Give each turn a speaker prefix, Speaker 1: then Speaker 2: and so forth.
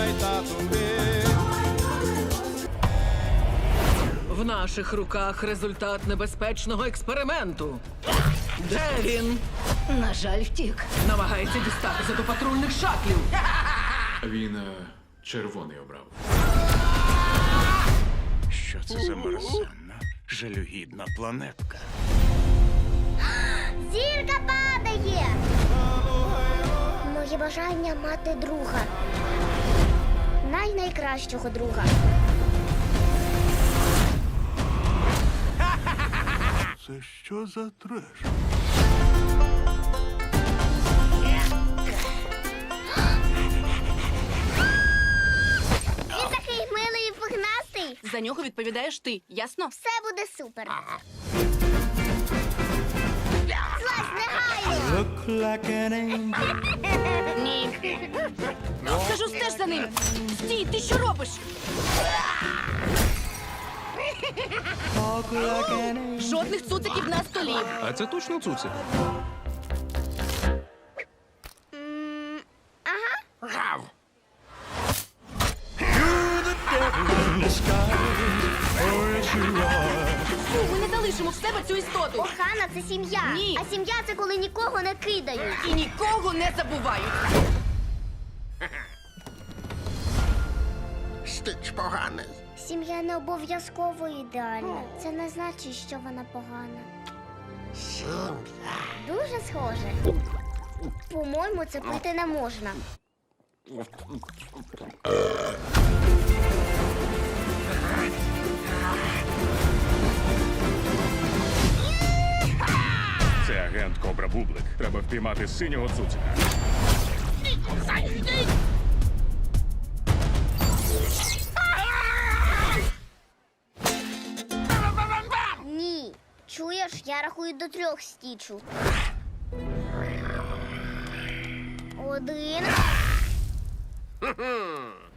Speaker 1: В наших руках результат небезпечного експерименту. Де він?
Speaker 2: На жаль, втік.
Speaker 1: Намагається дістатися до патрульних шатлів.
Speaker 3: Він червоний обрав.
Speaker 4: Що це за мерзенна, жалюгідна планетка?
Speaker 5: Зірка падає! Моє бажання мати друга. Найкращого друга.
Speaker 4: Це що за треш?
Speaker 5: Він такий милий і пухнастий.
Speaker 2: За нього відповідаєш ти, ясно?
Speaker 5: Все буде супер. Злазь негайно!
Speaker 2: Ні. Кажу, стеж за ним. Стій, ти що робиш? Жодних цуциків на столі.
Speaker 3: А це точно цуцик?
Speaker 2: Фу, ми не залишимо в себе цю істоту.
Speaker 5: Охана – це сім'я.
Speaker 2: Ні.
Speaker 5: А сім'я – це коли нікого не кидають.
Speaker 2: І нікого не забувають.
Speaker 6: Стич поганий.
Speaker 5: Сім'я не обов'язково ідеальна. Це не значить, що вона погана.
Speaker 6: Сім'я.
Speaker 5: Дуже схоже. По-моєму, це пити не можна.
Speaker 4: Це агент Кобра Бублик. Треба впіймати синього цуцика.
Speaker 5: Ні. Чуєш, я рахую до 3 стічу. 1.